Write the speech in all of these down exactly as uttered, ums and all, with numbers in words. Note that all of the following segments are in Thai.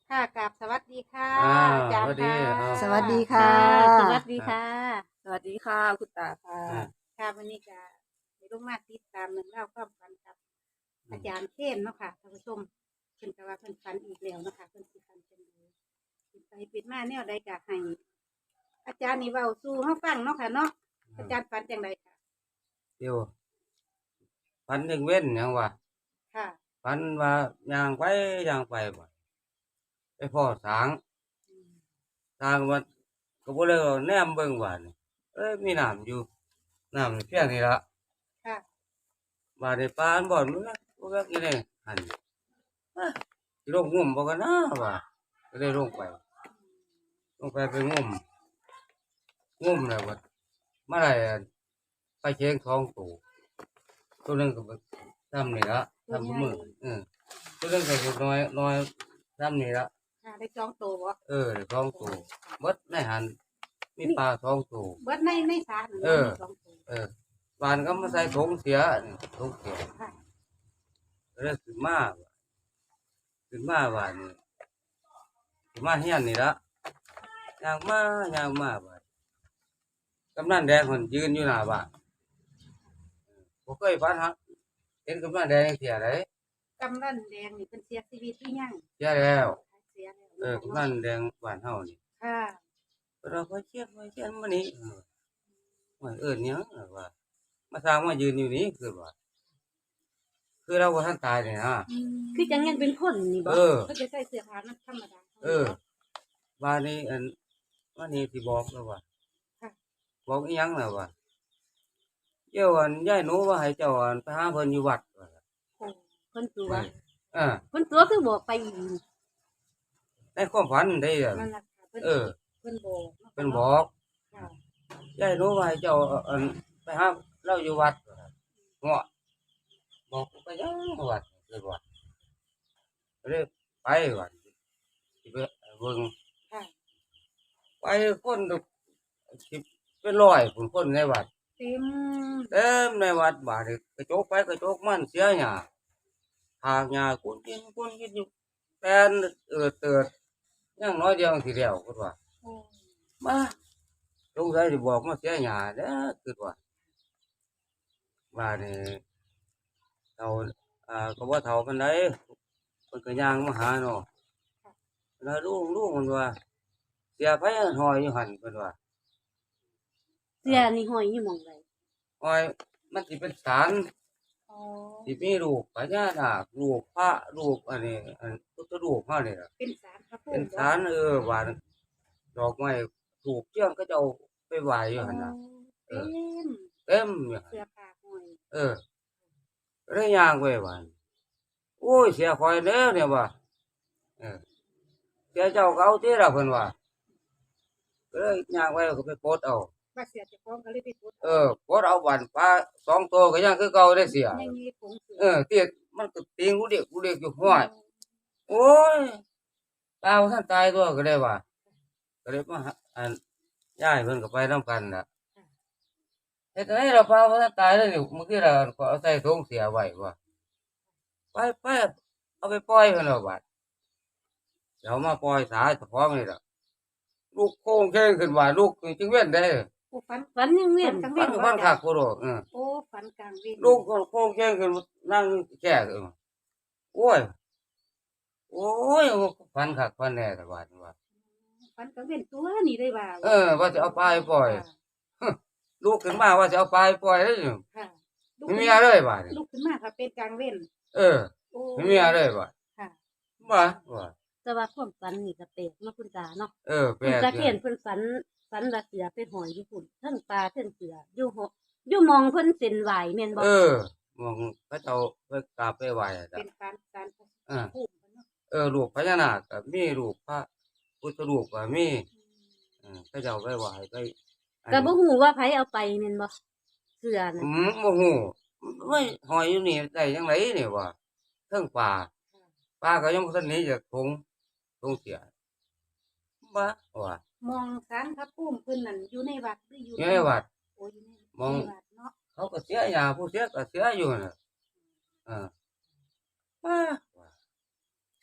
ค่ะกราบสวัสดีค่ะอ่าอาจารย์สวัสดีค่ะเอาสวัสดีค่ะสวัสดีค่ะสวัสดีค่ะ คุณตาค่ะอ่าค่ะวันนี้ก็ได้ลงมาติดตามเรื่องเล่าวความฝันกับอืมอาจารย์เทนเนาะค่ะท่านผู้ชมเพิ่นก็ว่าเพิ่นฝันอีกแล้วเนาะค่ะเพิ่นสิฝันเป็นดูปิดไปปิดมาแนวใดก็ให้ อาจารย์นี่เว้าสู่เฮาฟังเนาะค่ะเนาะอาจารย์ฝันจังไดค่ะเดี๋ยวฝันยังเว้นหยังวะค่ะฝันว่าย่างไปย่างไปบ่ไปพ่อสางอืมสางว่าก็บ่เลยว่าแนมเบิ่งว่านี่เอ้ยมีน้ำอยู่น้ำนี่เพียงนี่ล่ะค่ะบาดนี้ปานบ่มันบ่แม่นอีนี่หั่นอะสิลงงุ่มบ่กันนะว่าก็เลยลงไป ลงไปไปงุ่มงุ่มแล้วบัดมาได้อันปลาเค็งสองตัวตัวหนึงก็แบบซ้ำนี่ละซ้ำบ่มือเออตัวหนึงก็คือน้อยน้อยซ้ำนี่ละค่ะได้จองโตวบ่เออได้สองตัวเบิดในหันมีปลาสองตัวเบิดในในศาลนั่นเออมีสองตัวเออวานก็มาใส่ถุงเสียนี่ถุงเสียค่ะก็เลยขึ้นมาว่ะขึ้นมาว่านี่ขึ้นมาเฮียนนี่ละย่างมาย่างมาว่ะกำนันแดงคนยืนอยู่หน้าบ้านบ่เคยฝันฮะเห็นกำนันแดงเสียไดกำนันแดงนี่เพิ่นเสียชีวิตหรือยังเสียแล้วเสียแล้วเออกำนันแดงบ้านเฮานี่ค่ะเราพอเชียดพอเชียดมานี่เออว่าเอิ้นหยังว่ามาสร้างมายืนอยู่นี่คือว่าคือเราบ่ทันตายนี่นะคือจังยังเป็นคนนี่บ่เออเขาจะใส่เสื้อผ้ามันธรรมดาเออว่านี่อันว่านี่สิบอกแล้วว่าค่ะบอกอีหยังแล้วว่าเจ้าอันยายหนูว่าให้เจ้าอันไปหาเพิ่นอยู่วัดว่าโอ้เพิ่นตัวเออเพิ่นตัวคือบอกไปอีกในความฝันได้อะนั่นล่ะค่ะเพิ่นเออเพิ่นบอกเพิ่นบอกค่ะยายหนูว่าให้เจ้าอันไปหาเราอยู่วัดว่าเงาะบอกไปยังวัดเลยว่าก็เลยไปวัดสิไปเบิ่งค่ะไปคนก็สิเป็นร้อยผู้คนในวัดเต็มเต็มในวัดบาดนี้กระจกไปกระจกมันเสียหญ้าหากหญ้ากุนกินกุนกินอยู่แปลนเอิดเติดยังน้อยเดียวสิแล้วคิดว่าโอ้มาสงสัยสิบอกมาเสียหญ้าเด้อคิดว่าบาดนี้เฒ่าอ่าก็บ่เฒ่าปานใดเพิ่นก็ย่างมาหาเนาะแล้วลุงลุงมันว่า เสียไผห้อยอยู่หั่นเพิ่นว่าเสื้อนี่ห้อยอยู่หม่องใดห้อยมันสิเป็นศาลอ๋อสิมีรูปพญานาครูปพระรูปอันนี้อันพุทธรูปเฮานี่ล่ะเป็นศาลพระภูมิเป็นศาลเออว่าดอกไม้ถูกเจียงเขาเจ้าไปไหว้อยู่หั่นน่ะเต็มเต็มอยู่หั่นเสื้อผ้าห้อยเออก็เลยย่างไปว่าโอ้ยเสียข่อยแล้วเนี่ยว่าเออเสียเจ้าก็เอาติล่ะเพิ่นว่าก็เลยย่างไปก็ไปปลดเอาว่าเสียเจ้าของก็เลยไปกดเออปลดเอาบันปลาสองตัวก็ยังคือเก่าได้เสียยังมีผงเสืเออเตี้ยมันก็ติงกูเด็กกูเด็กอยู่ห้วย โอ้ยตาท่านตายตัวก็ได้ว่าก็เลยมาหาอันย้ายเพิ่นก็ไปนำกันน่ะเฮ็ดให้เราพาท่านตายแล้วนี่เมื่อกี้เราก็เอาใส่ถุงเสียไว้ว่าไปไปเอาไปปล่อยเพิ่นเอาบัดเดี๋ยวมาปล่อยสาเฉพาะนี่ล่ะลูกโค้งแข้งขึ้นว่าลูกจึงเว้นได้โอ้ฝันฝันยังเวียนกลางฟัเว้นนฟันคักกูดอกเออโอ้ฝันกลางเว้นลูกก็โค้งแข้งขึ้นนั่งแก่เออโอ้ยโอ้ยฟันคักฟันแน่แต่ว่าว่าฝันกลางเว้นตัวนี่ได้ว่าเออว่าจะเอาปลาไปปล่อย ลูกขึ้นมาว่าจะเอาปลาไปปล่อยแล้วอยู่ค่ะลูกไม่ขึ้นมีอะไรบ่าดนี่ลูกขึ้นมาค่ะเป็นกลางเว้นเออโอ้ไม่มีอะไรบ่าดค่ะบ่าว่าแต่ว่าความฝันนี่ก็แปลกเนาะคุณตาเนาะเออแปลคุณกตาอยู่เขียนเพิ่นฝันฝันว่าเสือเป็นหอยอยู่พุ่นเทั้งปลาเทั้งเสืออยู่หออยู่มองเพิ่นเส้นไหวแม่นบ่เออมองพระเจ้าไปกราบไปไหว้อะจ้ะเป็นการการอ่าภูมิเนาะเออรูปพญานาคก็มีรูปพระพุทธรูปก็มีเออพระเจ้าไปไหว้ไปอันก็บ่ฮู้ว่าไผเอาไปแม่นบ่เสือน่ะอืมบ่ฮู้ไม่หอยอยู่นี่ได้จังไดนี่ว่าเทิงป่าป่าก็ยังบ่ทันหนี้จากทงทงเสียบ่ว่ามองสารพระภูมิเพิ่นนั่นอยู่ในวัดหรืออยู่อยู่ในวัดโอ้อยู่ในมองในวัดเนาะเขาก็เสียยาผู้เสียก็เสียอยู่น่ะเออว่าว่าค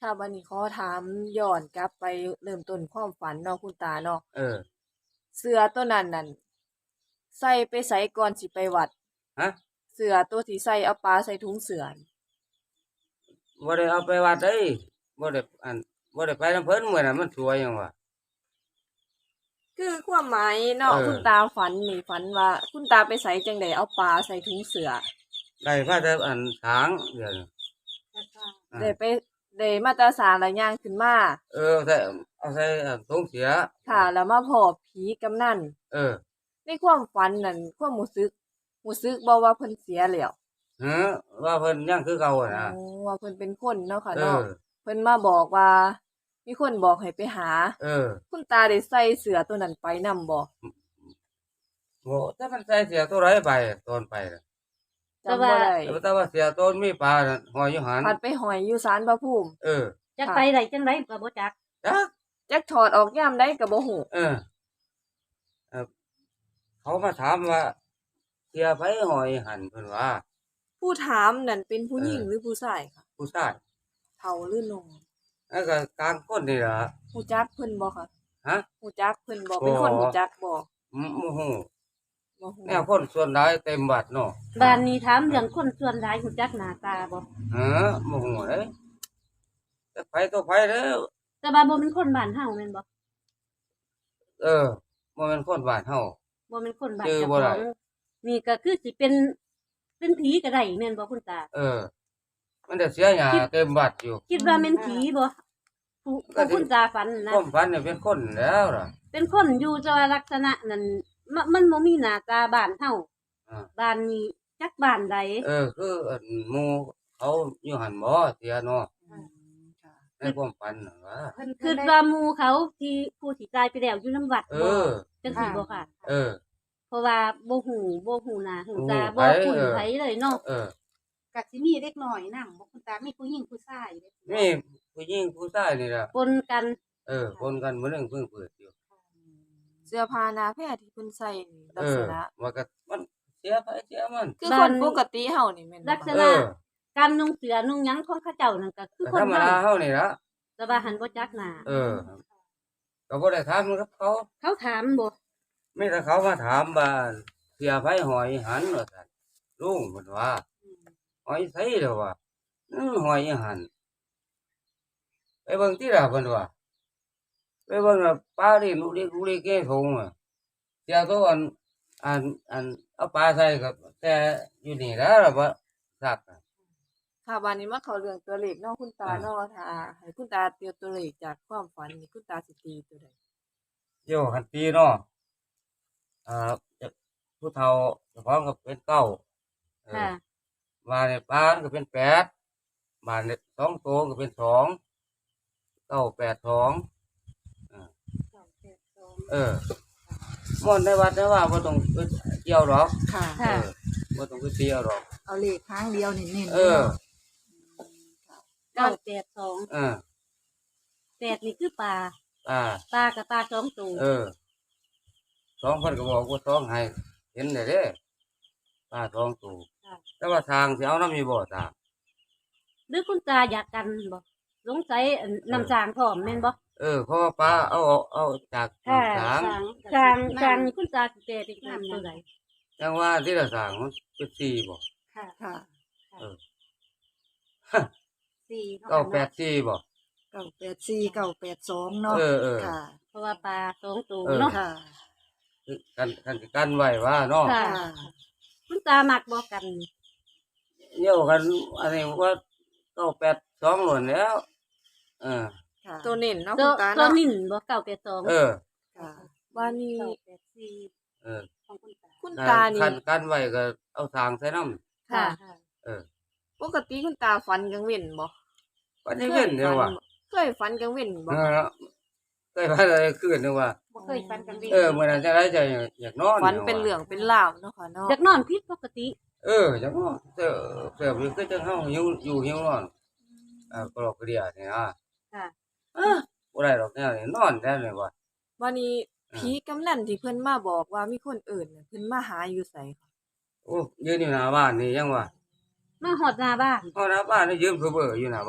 ค่ะวันนี้ขอถามย้อนกลับไปเริ่มต้นความฝันเนาะคุณตาเนาะเออเสื้อตัวนั้นนั่นใส่ไปไสก่อนสิไปวัดฮะเสื้อตัวที่ใส่เอาปลาใส่ถุงเสื้อนี่บ่ได้เอาไปวัดเด้บ่ได้อันบ่ได้ไปนำเพิ่นมื้อนั้นมันสวยหยังวะคือความหมายเนาะเออคุณตาฝันนี่ฝันว่า คุณตาไปไสจังได๋เอาปลาใส่ถุงเสื้อได้มาแต่อันทางเดี๋ยวนี้ อ่าได้ไปได้มาแตาสาแล้วย่างขึ้นมาเออใส่เอาใส่อันถุงเสียค่ะ แล้วมาพอผีกำนันเออในความฝันนั่นความรู้สึกรู้สึกบ่ว่าเพิ่นเสียแล้วฮะว่าเพิ่นยังคือเก่าอะนะอ๋อว่าเพิ่นเป็นคนเนาะค่ะเอเนาะอเพิ่นมาบอกว่า มีคนบอกให้ไปหาเออคุณตาได้ใส่เสื้อตัวนั้นไปนำบ่โหแต่มันใส่เสียตัวไรไปตอนไปน่ะจำบ่ได้แต่แต่ว่าเสียต้นมีปลาน่ะหอยอยู่หันพัดไปหอยอยู่ศาลพระภูมิเออจักไปได้จังไดก็บ่จักจักจักถอดออกยามใดก็บ่ฮู้เออเออเขามาถามว่าเสียไผหอยหันเพิ่นว่าผู้ถามนั่นเป็นผู้หญิงเออหรือผู้ชายค่ะผู้ชายเฒ่าหรือหนุ่มแล้วก็กลางคนนี่ล่ะฮู้จักเพิ่นบ่คะฮะฮู้จักเพิ่นบ่เป็นคนบ่ฮู้จักบ่อืมบ่ฮู้บ่ฮู้แนวคนส่วนหลายเต็มบัดเนาะบ้านนี้ถามเรื่องคนส่วนหลายรู้จักหน้าตาบ่ฮะบ่ฮู้เด้แต่ไผตัวไผเด้อแต่ว่าบ่เป็นคนบ้านเฮาแม่นบ่เออบ่แม่นคนบ้านเฮาบ่เป็นคนบ้านชื่อเจ้าบ่ขได้องนี่ก็คือสิเป็นเป็นผีก็ได้แม่นบ่คุณตาเออ มันได้เสียหญ้าเต็มบัดอยู่คิดว่าแม่นผีบ่ผู้ก็ผู้สิคุณตาฝันนะความฝันเนี่ยเป็นคนแล้วล่ะเป็นคนอยู่แต่ว่าลักษณะนั้นมะมันบ่มีหน้าตาบ้านเฮาอ่าบ้านนี้จักบ้านใดเออ คืออันหมู่เขาอยู่หันบ่เสียเนาะอืมค่ะในความฝันน่ะว่าคิดว่าหมู่เขาที่ผู้ที่ตายไปแล้วอยู่นำวัดเอบ่อจังซี่บ่ค่ะเออเพราะว่าบ่ฮู้บ่ฮู้หน้าฮู้ตาบ่บ่ฮู้คุ้นไผไผเลยเนาะเออก็สิมีเด็กน้อยนำบ่คุณตามีผู้หญิงผู้ชายเด้มีผู้หญิงผู้ชายนี่ล่ะปนกันเออคนกันมื้อนึงเพิ่งเปิดอยู่เสื้อผ้าหน้าแพรที่เพิ่นใส่นี่ลัเอก อษณะว่าก็มันเสียไปเสียมันคือบ้าคน นปกติเฮานี่แม่นบ่ลักษคะเอณะอการนุ่งเสื้อนุ่งหยังของเขาเจ้านั่นก็คือแต่คธรนรมเฮาดาเฮานี่ล่ะแต่ว่าหันบ่จักหน้าเออ ก็บ่ได้ถามกับเขาเขาถามบ่มีแต่เขามาถามว่าเสียไผหอยหันว่าซั่นลุงเพิ่นว่า หอยไสเด้อว่าอือหอยอีหันไปเบิ่งติล่ะเพิ่นว่าไปเบิ่งว่าปลานี่ลูกเล็กลูกเล็กแก่ทงอะเสียตัวอันอันอันเอาปลาใส่ก็แต่อยู่นี่แหล้วล่ะบ่ซักอะค่ะบัดนี้มาเข้าเรื่องตัวเลขเนาะคุณตาอ่าเนาะถ้าให้คุณตาเตียวตัวเลขจากความฝันนี่คุณตาสิตีตัวใดโยคันตีเนาะอ่าจะผู้เฒ่าเจ้าของก็เป็นเก้าเออค่ะมาในปลามันก็เป็นแปดมาในสองตัวก็เป็นสองเก้าแปดสอง เออม่อนในวัดนะว่าบ่ต้องไปเกี่ยวหรอกค่ะเอค่ะอบ่ต้องไปเกี่ยวหรอกเอาเลขค้างเดียวเน้นๆเออเก้าแปดสองเออแปดนี่คือปลาอ่าปลากับปลาสองตัวเออสองคนก็บอกว่าสองให้เห็นได้เด้ป้าสองตัวแต่ว่าทางสิเอาน้ำมีบ่ตางหรือคุณตาอยากกันบ่สงสัยอันน้ำสางพร้อมแม่นบ่เออเพราะว่าป้าเอาเอาเอาจากค่ะทางสางสางนี่คุณตาสิแปลเป็นน้ำตัวใดจังว่าที่ละทางมันเป็นสี่บ่ค่ะค่ะสี่เก้าแปดสี่บ่เก้าแปดสี่เก้าแปดสองเนาะเออเออค่ะเพราะว่าปลาสองตัวเออเนาะค่ะคือกันกันสิกันไว้ว่าเนาะค่ะค่ะคุณตามักบ่กันเดี่ยวกันอันนี้ว่าเก้าแปดสองหล่นแล้ว เออค่ะตัวเน้นเนาะตัคุวณตาตัวเนาะนิ่นบ่เก้าแปดสองเออค่ะบัดนี้เก้าแปดสี่เออของคุณตาคุณคัตาน นี่คันกันไว้ก็เอาทางใส่น้ำค่ะเออปกติคุณตาฝันกลางเว้นบ่วันนี้เว้นเดียวว่ะเคยฝันกลางเว้นบ่เออเคยพาอะไรขึ้นเดียวว่ะบ่เคยฟันกันเออเมื่อนั้นจะได้ใจอยากนอนฝันเป็นเหลืองเป็นลาวเนาะค่ะเนาะอยากนอนผิดปกติเอออยากนอนเสือเสือมันก็จะเข้าหิวอยู่หิวนอนอ่ากรอกกระเดียนี่นะค่ะเออบ่ได้หรอกแนวนี้นอนได้เลยว่ะบัดนี้ผีกำนันที่เพิ่นมาบอกว่ามีคนอื่นน่ะเพิ่นมาหาอยู่ไสค่ะโอ้ยืนอยู่หน้าบ้านนี่ยังว่ะมาหอดหน้าบ้านเพราะหน้าบ้านนี่ยืมเพื่อเบออยู่หน้าบ้าน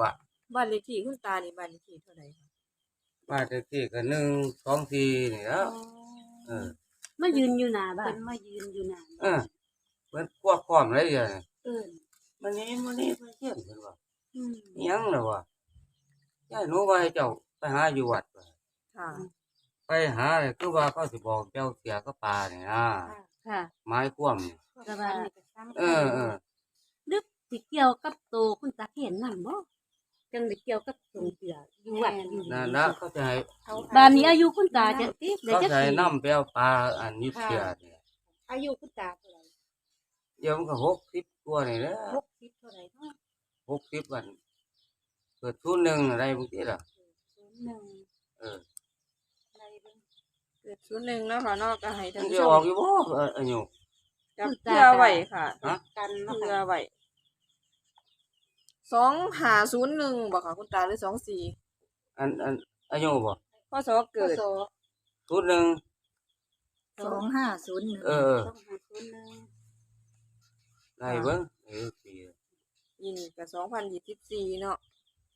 บ้านเลขที่คุณตานี่บ้านเลขที่เท่าใดคะบ้านเลขที่ก็หนึ่งสองสี่นี่แหล้วเออมายืนอยู่หน้าบ้าเพิ่นนมายืนอยู่นานเออเพิ่นพวกพร้อมเลยอย่างเอิ้นมันนี้มันนี้เพิ่นเขียนเพิ่นว่าอืมอิหยังล่ะวะยายหนูว่าให้เจ้าไปหาอยู่วัดว่ะค่ะไปหาเลยคือว่าเขาสิบอกเจ้าเสียก็ปลานี่นะค่ะค่ะไม้คว่ำนี่ก็ว่านี่ก็สำคัญเออเออนึกสิเกี่ยวกับโตวคุณตาเห็นนำบ่จังได้เกี่ยวกับสงเสืออยู่วัดอยู่นั่นนะเขาจะให้เขาบ้านนี้อายุคุณตาจะติได้เขาจักจะให้ปีนำไปเอาปลาอันนี้เสียนี่อายุคุณตาเท่าไหร่เดี๋ยวมันก็หกสิบกว่านี่แหละหกสิบเท่าไหร่เนาะหกสิบวันเกิดทุนหนึ่งอะไรบางทีล่ะศูนย์หนึ่งเอออะไรเบิ่งเกิดศูนย์หนึ่งเนาะค่ะเนาะก็ให้มัท่านนผู้จะชออกมอยู่บ่เอออายุจับเพื่อไว้ค่ะฮะกันเนาะเพื่อค่ะไว้สองห้าศูนย์หนึ่งบ่ค่ะคุณตาหรือสองสี่อันอันอายุบ่พศเกิดพศทุนหนึ่งสองห้าศูนย์หนึ่งเออสองห้าศูนย์หนึ่งได้เบิ่งเออปียินกับสองพันยี่สิบสี่เนาะ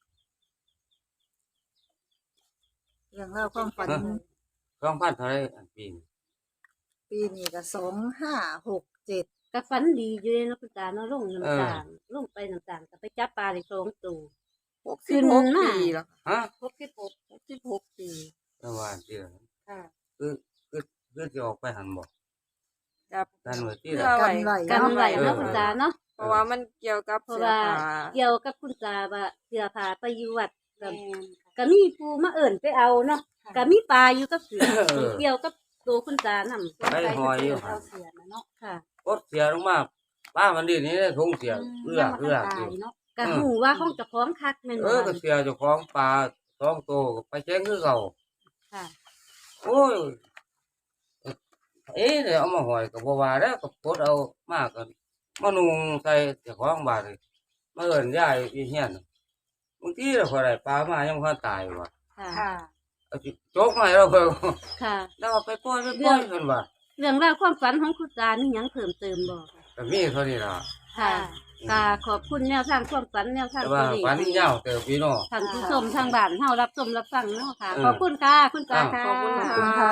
เรื่องเล่าวความฝันสองพันเท่าไหรอันปีนี้ปีนี้ก็สองห้าหกเจ็ดก็ฝันดีอยู่เลยเนาะคุณตาเนาะลงน้ำตาลลงไปน้ำตาลก็ไปจับปลาได้สองตัวหกสิบหกขึ้นมาปีแล้วค่ะฮะหกสิบหกหกสิบหกปีประมาณที่ละค่ะคือคือคือจะออกไปหันบ่จับกันไว้ที่เพื่ละอไว้กันไว้กันไว้เออเนาะคุณตาเนาะเพราะว่ามันเกี่ยวกับเพราะเสื้อว่าผ้าเกี่ยวกับคุณตาว่าเสื้อผ้าไปอยู่วัดก็แม่นค่ะก็มีผู้มาเอิ่นไปเอาเนาะก็มีปลาอยู่กับเสือเออเกี่ยวกับตัวคุณตานำไปหอยอยู่เอาเสียนะเนาะค่ะกดเสียลงมาป้ามันดีนี่ทงเสียเอื้อเอื้อตาอยู่ยเนาะก็หูว่าห้องเจะพร้าของคักแม่นเอบ่อก็เสียเจ้าของปลาสองตัวก็ไปแจ้งคือเก่าค่ะโอ้ยเอ๊ะเดี๋ยวเอามาหอยกับบัวาแล้วก็กดเอามากกันมานุงใส่เจ้าของบ้านเลยมาเอินยายอีเฮียนบางทีเราพอได้ปลามายังพอตายว่ะค่ะค่ะเอาสิโจกมาให้เราเพิ่งค่ะแล้วเอาไปปล่อยไปปล่อยกันว่ะเรื่องราวความฝันของคุณตานี่หยังเพิ่มเติมบ่คะแต่มีเท่านี้ล่ะค่ะก็ขอบคุณแนวทางความฝันแนวทางแต่ตัวว่าเลขฝันยาวเติบพี่น้องท่านผู้ชมทางบ้านเฮารับชมรับฟังเนาะค่ะเออขอบคุณค่ะ คุณตาค่ะขอบคุณขอบค่ะคุณค่ะ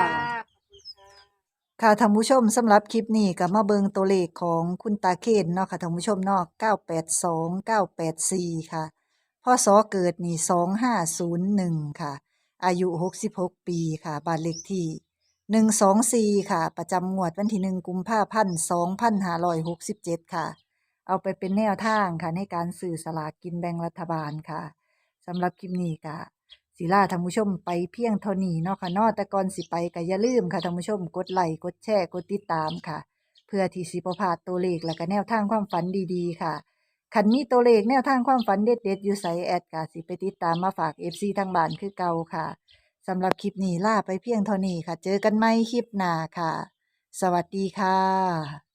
ค่ะท่านผู้ชมสำหรับคลิปนี้ก็มาเบิงตัวเลขของคุณตาเคนเนาะค่ะท่านผู้ชมเนาะเก้าแปดสอง เก้าแปดสี่ค่ะพศเกิดนี่สองห้าศูนย์หนึ่งค่ะ อายุหกสิบหกปีค่ะบ้านเลขที่หนึ่งสองสี่ค่ะ ประจำงวดวันที่หนึ่งกุมภาพันธ์สองพันห้าร้อยหกสิบเจ็ดค่ะ เอาไปเป็นแนวทางค่ะในการสื่อสลากกินแบ่งรัฐบาลค่ะสำหรับคลิปนี้ก็ศิลาท่านผู้ชมไปเพียงเท่านี้เนาะค่ะเนาะแต่ก่อนสิไปก็อย่าลืมค่ะท่านผู้ชมกดไลค์กดแชร์กดติดตามค่ะ เพื่อที่สิบ่พลาดตัวเลขและก็แนวทางความฝันดีๆค่ะคันมีตัวเลขแนวทางความฝันเด็ดๆอยู่ไสแอดก็สิไปติดตามมาฝาก เอฟ ซี ทางบ้านคือเก่าค่ะสำหรับคลิปนี้ลาไปเพียงเท่านี้ค่ะ เจอกันใหม่คลิปหน้าค่ะ สวัสดีค่ะ